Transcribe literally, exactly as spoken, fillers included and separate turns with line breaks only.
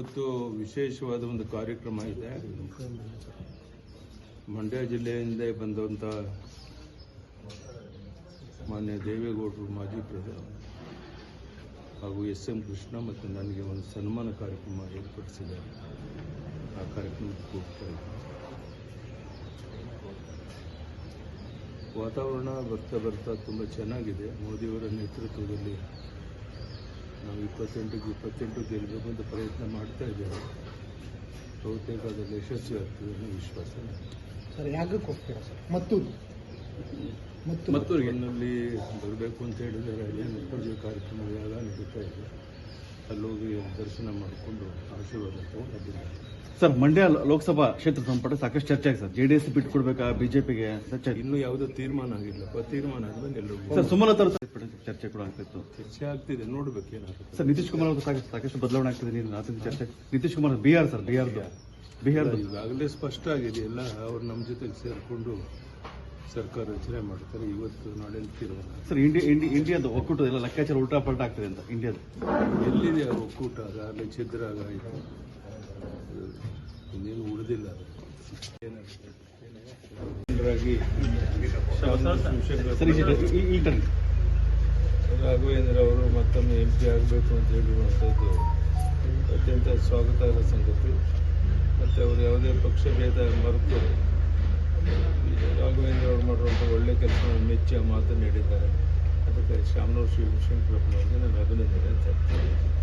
ಇವತ್ತು ವಿಶೇಷವಾದ ಒಂದು ಕಾರ್ಯಕ್ರಮ ಇದೆ. ಮಂಡ್ಯ ಜಿಲ್ಲೆಯಿಂದ ಬಂದಂಥ ಮಾನ್ಯ ದೇವೇಗೌಡರು, ಮಾಜಿ ಪ್ರಧಾನಿ ಹಾಗೂ ಎಸ್ ಎಂ ಕೃಷ್ಣ ಮತ್ತು ನನಗೆ ಒಂದು ಸನ್ಮಾನ ಕಾರ್ಯಕ್ರಮ ಏರ್ಪಡಿಸಿದ್ದಾರೆ. ಆ ಕಾರ್ಯಕ್ರಮಕ್ಕೆ ಹೋಗ್ತಾ ಇದ್ದೀನಿ. ವಾತಾವರಣ ಬರ್ತಾ ಬರ್ತಾ ತುಂಬ ಚೆನ್ನಾಗಿದೆ. ಮೋದಿಯವರ ನೇತೃತ್ವದಲ್ಲಿ ನಾವು ಇಪ್ಪತ್ತೆಂಟಕ್ಕೆ ಇಪ್ಪತ್ತೆಂಟು ಗೆಲ್ಲಬೇಕು ಅಂತ ಪ್ರಯತ್ನ ಮಾಡ್ತಾ ಇದ್ದೇವೆ. ಬಹುತೇಕ ಅದರಲ್ಲಿ ಯಶಸ್ವಿ ಆಗ್ತದೆ ಅನ್ನೋ ವಿಶ್ವಾಸ.
ಸರ್, ಯಾಗಕ್ಕೆ ಹೋಗ್ತೀರಾ ಸರ್? ಮತ್ತೂರು
ಮತ್ತೂರಿನಲ್ಲಿ ಬರಬೇಕು ಅಂತ ಹೇಳಿದರೆ ಅಲ್ಲೇನು ಪೂಜೆ ಕಾರ್ಯಕ್ರಮ ಯಾಗ ನಡೀತಾ ಇದೆ. ಅಲ್ಲೋಗಿ ದರ್ಶನ ಮಾಡಿಕೊಂಡು ಆಶೀರ್ವಾದ ತಗೊಂಡಿದ್ದೀನಿ.
ಸರ್, ಮಂಡ್ಯ ಲೋಕಸಭಾ ಕ್ಷೇತ್ರ ಸಂಪುಟ ಸಾಕಷ್ಟು ಚರ್ಚೆ ಆಗಿದೆ ಸರ್. ಜೆಡಿಎಸ್ ಬಿಟ್ಕೊಡ್ಬೇಕಾ ಬಿಜೆಪಿಗೆ?
ಇನ್ನೂ ಯಾವುದೋ ತೀರ್ಮಾನ ಆಗಿಲ್ಲಪ್ಪ. ತೀರ್ಮಾನ ಆದ್ಮೇಲೆ ಎಲ್ಲರೂ
ಸರ್ ಸುಮಲತಾ ಚರ್ಚೆ ಕೂಡ ಆಗ್ತಿತ್ತು.
ಚರ್ಚೆ ಆಗ್ತಿದೆ, ನೋಡ್ಬೇಕು ಏನಾಗುತ್ತೆ.
ಸರ್, ನಿತೀಶ್ ಕುಮಾರ್ ಅವರು ಸಾಕಷ್ಟು ಸಾಕಷ್ಟು ಬದಲಾವಣೆ ಆಗ್ತಿದೆ. ನೀನು ರಾತ್ರಿ ಚರ್ಚೆ ನಿತೀಶ್ ಕುಮಾರ್ ಬಿಹಾರ್ ಸರ್ ಬಿಹಾರ್ ಬಿಹಾರ
ಈಗಾಗಲೇ ಸ್ಪಷ್ಟ ಆಗಿದೆಯಲ್ಲ. ಅವ್ರು ನಮ್ಮ ಜೊತೆಗೆ ಸೇರಿಕೊಂಡು ಸರ್ಕಾರ ರಚನೆ ಮಾಡ್ತಾರೆ. ಇವತ್ತು ನಾಳೆ ತೀರ್ಮಾನ.
ಸರ್, ಇಂಡಿಯಾ ಇಂಡಿ ಇಂಡಿಯಾದ ಒಕ್ಕೂಟ ಎಲ್ಲ ಲೆಕ್ಕಾಚಾರ ಉಲ್ಟಾ ಪಲ್ಟಾ ಆಗ್ತಿದೆ ಅಂತ ಇಂಡಿಯಾದ
ಎಲ್ಲಿದೆ ಆ ಒಕ್ಕೂಟ? ಅದಾಗಲೇ ಛಿದ್ರ ಆಯಿತು, ಇನ್ನೇನು ಉಳಿದಿಲ್ಲ. ರಾಘವೇಂದ್ರ ಅವರು ಮತ್ತೊಮ್ಮೆ ಎಂ ಪಿ ಆಗಬೇಕು ಅಂತ ಹೇಳಿರುವಂಥದ್ದು ಅತ್ಯಂತ ಸ್ವಾಗತಾರ್ಹ ಸಂಗತಿ. ಮತ್ತು ಅವರು ಯಾವುದೇ ಪಕ್ಷ ಭೇದ ಮರೆತು ರಾಘವೇಂದ್ರ ಅವರು ಮಾಡಿರುವಂಥ ಒಳ್ಳೆ ಕೆಲಸವನ್ನು ಮೆಚ್ಚಿ ಆ ಮಾತನ್ನು ಹೇಳಿದ್ದಾರೆ. ಅದಕ್ಕೆ ಶಾಮನೂರು ಶಿವಶಂಕರಪ್ಪನವರಿಗೆ ನಾನು ಅಭಿನಂದನೆ ಅಂತ ಹೇಳ್ತೀನಿ.